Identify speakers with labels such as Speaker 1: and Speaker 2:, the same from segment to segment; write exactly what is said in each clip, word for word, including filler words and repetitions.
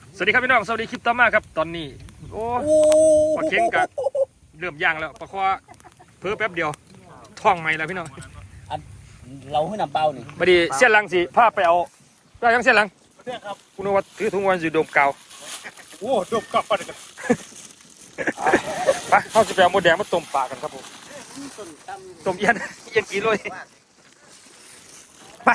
Speaker 1: สวัสดีครับพี่น้องสวัสดีคลิปต่อมาครับตอนนี้โอ้ปลาเค็งกับเริ่มย่างแล้วปลาคอเพิ่มแป๊บเดียวท้องใหม่แล้วพี่น้อง
Speaker 2: เราให้นำเปล่านี่
Speaker 1: บัดนี้เส้นหลังสิพาไปเอาได้ยังเส้นหลัง
Speaker 2: ครับ
Speaker 1: คุณวัดถือถุงวันอยู่ดมเก่า
Speaker 2: โอ้ดมเก่าไปกัน
Speaker 1: ไปเขาจะไปเอาหมดแดงมาต้มปลากันครับผมต้มเย็นเย็นกี่โลไป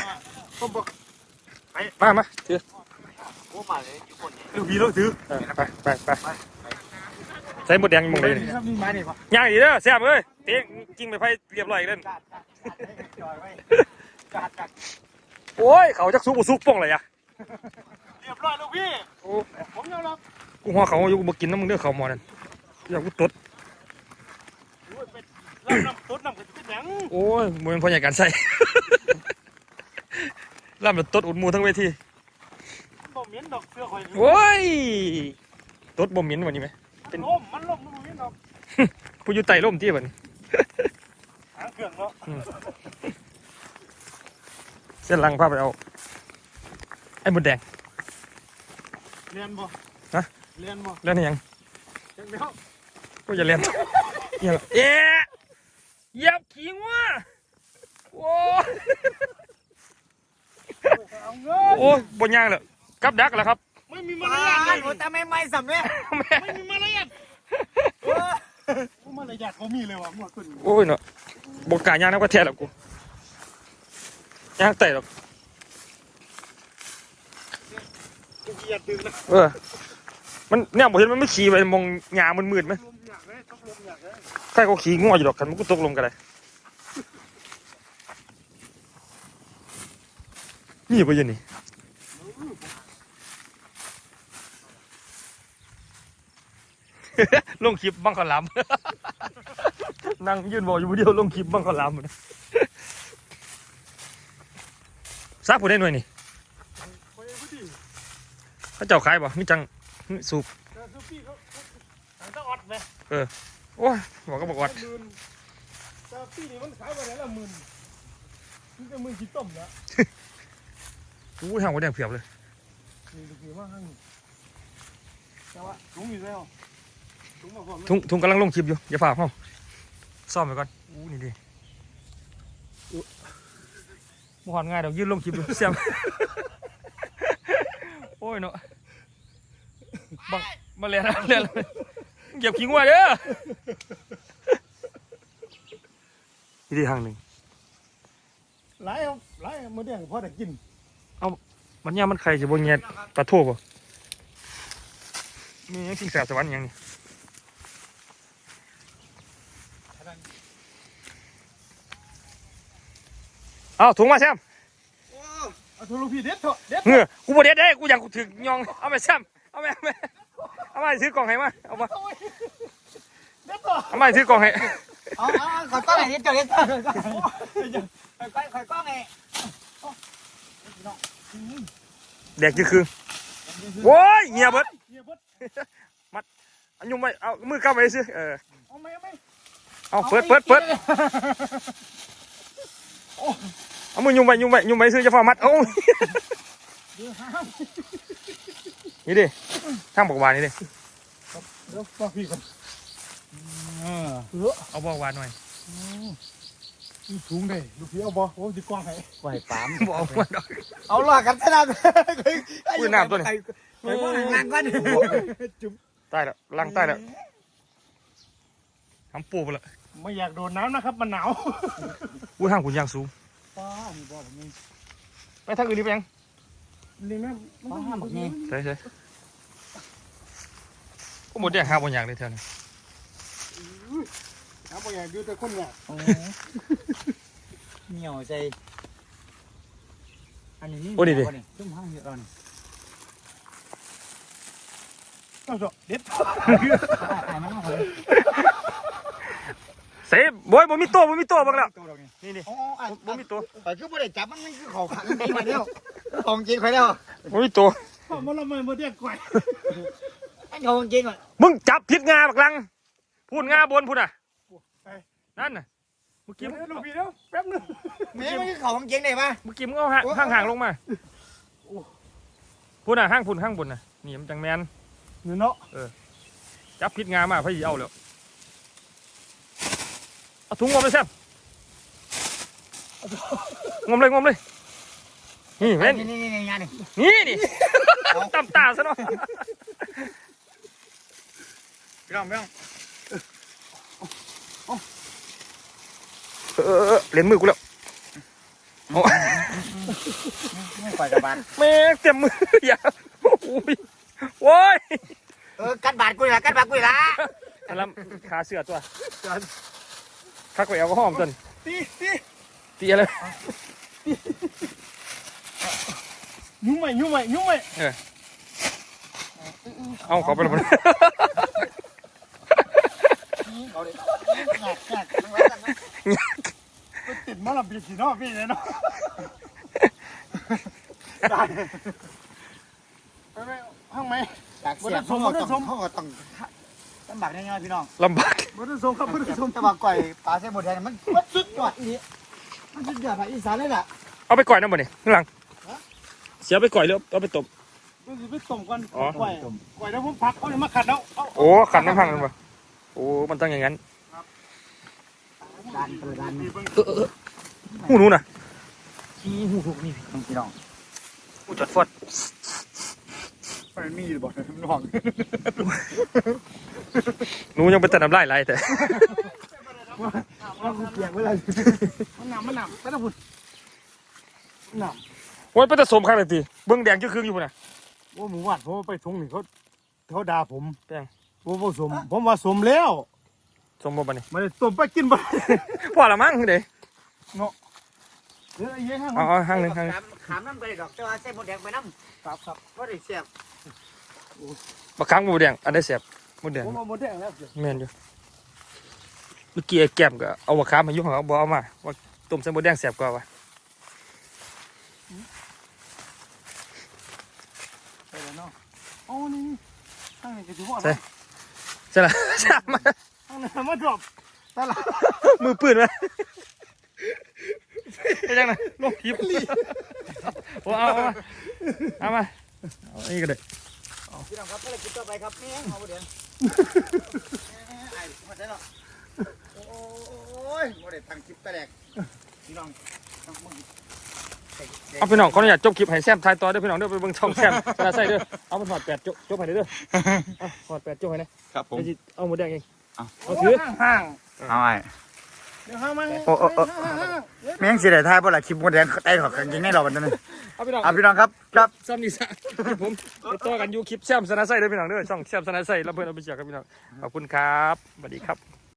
Speaker 1: มามาถือ
Speaker 2: โอ้มาเลยอยู่คนนี้
Speaker 1: ลูกพี่ลูกถือไปไปไปใส่หมดแดงมึงเลยย่างดีเด้อแซ่บเลยเตะกิ้งไปไฟเรียบร้อยเล่นโอ้ยเขาจะซุกซุกป่องเลยอะ
Speaker 2: เรียบร้อยลูกพี่ผมยอมรับ
Speaker 1: กูหัวเขาอยู่กูกินน้ำมึงเด้อเขาหมอนั่นอยากกูตด
Speaker 2: น้ำตดน้ำกระติกยัง
Speaker 1: โอ้ยมันเป็นพอใหญ่การใส่ล่ำแบบตดอุดมูทั้งเวที
Speaker 2: บ่เหม็นดอกเสื้อข่อย
Speaker 1: โอ้ยตดบ่เหม็นวันนี้ไหม
Speaker 2: เป็นล่มมันล่มมันบ่เหม็นดอก
Speaker 1: ผู้อยู่ใต้ร่มที่บัน
Speaker 2: หางเครื่องเนาะ
Speaker 1: เส้นลังพาไปเอาไอ้หมดแดง
Speaker 2: เรียนบ่
Speaker 1: ฮะ
Speaker 2: เรียนบ่
Speaker 1: เรียนยัง
Speaker 2: ยังไม่เข้า
Speaker 1: ก็อย่าเรียนอย่าเอ๊ะยับขี้งัวโอ้โอ้บนยางเลยกับดักแล้วครับ
Speaker 2: ไม่มีมารยาทเลยแต่ไม่ไม่สำเร็จไม่มีมารยาทโอ้มารยาทเขามีเลยว่ะมั่วขึ้น
Speaker 1: โอ้ยเนาะบกกายางน้ำกระแทกหรอกกูยางเตะหรอกเออมันเนี่ยผมเห็นมันไม่ขี่ไปมองหญ้ามันมืดไหมใครก็ขี่งัวอยู่หรอกกันมันก็ตกลงกันเลยนี่ไปยังนี่ลงคลิปบังขลามนั่งยืนบอกอยู่เดียวลงคลิปบังขลามซักผู้ได้หน่วยนี่เขาเจ้าขายบ่มีจังสูบเออโอ้ยบอกก็บอกวัด
Speaker 2: ปีนี้มันขายไปไหนละหมื่นนี่จะหมื่นกี่ต้มแล้ว
Speaker 1: อู้ห่างกว่าแดงเพียบเลย
Speaker 2: นี่ดูดีมากแต่ว่าถุงอยู่แล้ว
Speaker 1: ถุงถุงกำลังลงคลิปอยู่อย่าฝ่าเข้าซ่อมไปก่อนอู้นี่ดิมหอนง่ายเดี๋ยวยืนลงคลิปอยู่เสียมโอ้ยเนาะบังมาเรียนเรียนเก็บขี้งัวเด้อนี่ดีทางหนึ่ง
Speaker 2: หลายหลายมื้อเดียวพอได้กิน
Speaker 1: เอามันยามันไข่จะบนเงียปลาทูบ่มียังสิ่งแสบสวรรค์ยังนี่เอาถุงมาแซม
Speaker 2: เอาถุงลูกพี่เด็ดเถอะเด็ด
Speaker 1: เงือกูบ่เด็ดได้กูอยากกูถึงยองเอาไปแซมเอาไปเอาไปเอาไปซื้อกล่องให้มาเอามา
Speaker 2: เด็ดเถอะ
Speaker 1: เอาไปซื้อกล่องให้
Speaker 2: เอาเอาขอก้อนไหนเด็ดเถอะเด็ดเถอะขอก้อนขอก้อนไง
Speaker 1: เด็กคือคือโว้ยเงียบเบิดมัดอันยุ่งไปเอามือเข้าไปซื้อเออ
Speaker 2: เอาไม่เอาไม่
Speaker 1: เอาเปิดเปิดเปิดเอามือยุ่งไปยุ่งไปยุ่งไปซื้อจะฟ้ามัดโอ้นี่ดิทางบอกวานนี่ดิ
Speaker 2: เดี๋ยวบอกพี่ก่อน
Speaker 1: เอาบอกวานหน่อย
Speaker 2: ถุงได้ลูกพี่เอาบอโอ้ดีกว้างไง
Speaker 1: ไหวปั๊มบอกมัน
Speaker 2: เอาหลอกกันขนาด
Speaker 1: คุยน้ำตัวนี้
Speaker 2: ไปว่าล้างกัน
Speaker 1: จุ๊บใต้แล้วล้างใต้แล้วทำปูไปละ
Speaker 2: ไม่อยากโดนน้ำนะครับมันหนาว
Speaker 1: อุ้ยห้างขุนยางสูง
Speaker 2: ป้ามีบ่อแบบนี้
Speaker 1: ไปทางอื่นนี่ไปยัง
Speaker 2: นี่แม่ป้าแบบนี้
Speaker 1: ใช่ใช่ก็หมดแดงห้าบนอย่างเลยเท่านี้
Speaker 2: น้ำบางอย่างดูแต่คนเนี่ยเหนียวใจอันนี้นี่
Speaker 1: โอ้ดีดิ
Speaker 2: จุ่มห้างเยอะแล้วนี่ต้องจบเด็ดถ่ายมันต้องเลย
Speaker 1: เสียบอยบ่มีตัวบ่มีตัวบ้างแล้วนี่นี่บ่มีตัว
Speaker 2: แต่คือบ่ได้จับมันมันคือของขังจริงมาแล้วของจริงไปแล้ว
Speaker 1: บ่มีตัว
Speaker 2: มันละไม่บ่ได้ก่อยไอ้ของจริงอ่ะ
Speaker 1: มึงจับผิดงาบักลังพูดงาบนพูดอ่ะนั่นน่ะเมื่อกี้
Speaker 2: ลูกพี่แล้วแป๊บนึงแม่ไม่คือของจริงได้ปะ
Speaker 1: เมื่อกี้มึงเอาห่างห่างลงมาพูดอ่ะห้างพูนห้างบนน่ะนี่มันจังแมน
Speaker 2: เนื้อเนาะ
Speaker 1: จับพิษงามาพี่เอาแล้วเอาถุงงมเลยแซ่บงมเลยงมเลยนี่เว้น
Speaker 2: นี่นี่นี่งานนี่
Speaker 1: นี่นี่ตำตาซะเนาะ
Speaker 2: พี่น้องพี่น้อง
Speaker 1: เออเออเหรียญมือกูแล้วโอ้
Speaker 2: ไม่ปล่อยกับบาด
Speaker 1: แม่เต็มมืออย่าโอ้ยโว้ย
Speaker 2: เออกัดบาดกูละกัดบาดกูละ
Speaker 1: อันนั้นขาเสือตัวคักไปเอาก็ห้อมจน
Speaker 2: ตีตี
Speaker 1: ตีอะไร
Speaker 2: ยุ่งไหมยุ่งไหมยุ่งไหม
Speaker 1: เออเอาเขาไปแล้วมัน
Speaker 2: เอาเลยงัดงัดติดมาละปีกี่นอพี่เลยเนาะได้ไปไปห้างไหมจากเสียงเขาก็ต้องเขาก็ต้องลำบากแน่ๆพี่น้อง
Speaker 1: ลำบาก
Speaker 2: บนสมครับบนสมแต่ว่าก่อยปลาเส้นหมดแดงมันมันสุดยอดนี่มันสุดยอดภาคอีสานเลยแหละ
Speaker 1: เอาไปก่อยน้ำบ่เนี่ยข้างหลังเสียไปก่อยแล้วเอาไปตบ
Speaker 2: มันจะไปต้มกัน
Speaker 1: อ๋อ
Speaker 2: ก่อยก่อยแล้วผมพักเขาจะมาขัดแล้ว
Speaker 1: โอ้ขันน้ำพังเลยป่ะโอ้มันต้องอย่างนั้น
Speaker 2: ดันเปิดดัน
Speaker 1: เออเออหูหนูน่ะ
Speaker 2: ชี้หูถูกนี่พี่น้อง
Speaker 1: หูจอดฟอด
Speaker 2: มันมีอยู่บ่พี่น้อง
Speaker 1: หนูยังเป็นแต่น้ำลายไหลแต่
Speaker 2: ว่าเปียกเวลามันหนำมันหนำไม่ต้องพูดหนำ
Speaker 1: โอ้ยเป็นแต่สมข้างเลยทีเบิ้งแดงจื้อๆอยู่พุ่นน่ะ
Speaker 2: ว่าหมูหวานผมไปทงนี่เขาเขาด่าผม
Speaker 1: แป้ง
Speaker 2: ว่าผสมผมว่าสมแล้ว
Speaker 1: สมบ่บันนี่
Speaker 2: มันต้มไปกินบ่
Speaker 1: พอละมั้งเด้
Speaker 2: เนาะเดี๋ยวไอ้เหี้ยห้าง
Speaker 1: อ๋อห้างหนึ่งห้างหนึ่ง
Speaker 2: ขามน้ำไปดอกแต่ว่าเส้นหมดแดงไปน้ำครับครับก็ได้เสียบ
Speaker 1: บางครั้งหมูแดงอันได้เสียบหมูแดง
Speaker 2: ผมเอาหมดแดงแล้ว
Speaker 1: แม่นอยู่เมื่อกี้ไอ้แก้มก็เอาบะขามมายุ่งเขาบอกเอามาว่าต้มใส่หมูแดงเสียบกว่าวะ
Speaker 2: ไปแล้วเนาะอ๋อนี่ข้างนี้ก็ถือว่า
Speaker 1: ใช่ใช่ละใช่มา
Speaker 2: ข้างนี้มาดรอปตลาด
Speaker 1: มือปืนมาไอ้ยังไงลงทิพย์โอ้เอาเอามาเอามาเอาอันนี้ก็ได้
Speaker 2: พี่น้องครับก็เลยกินต่อไปครับนี่เอาเดี๋ยวไอ้มาได้หรอโอ้ยโมเดลตั้งคลิปตะแดกพี่น้องต้องมึง
Speaker 1: เอาพี่น้องขออนุญาตจบคลิปให้แซมทายต่อเด้อพี่น้องเด้อไปเบิ่งช่องแซมชนะใส่เด้อเอามาถอดแปดจบจบให้เด้อเอาถอดแปดจบให้นะครับ
Speaker 3: ผม
Speaker 1: เดี๋ยวสิเอาหมูแดงเอง
Speaker 3: เอา
Speaker 1: เอาถือ
Speaker 2: ห่าง
Speaker 3: เอาไอ้
Speaker 2: เดี๋ยวห้างมา
Speaker 3: โอ้โอ้โอ้แม่งสิได้ทายบ่ล่ะคลิปมดแดงไอ้ขอกันจริงแน่รอบัดนั้น
Speaker 1: เอาพี่น้อง
Speaker 3: อ่ะพี่น้องครับครับ
Speaker 1: ซ้ำนี่ซะผมไปต่อกันอยู่คลิปแซมชนะใส่เด้อพี่น้องเด้อช่องแซมชนะใส่แล้วเพื่อนเอาไปเชียร์ครับพี่น้องขอบคุณครับสวัสดีครับ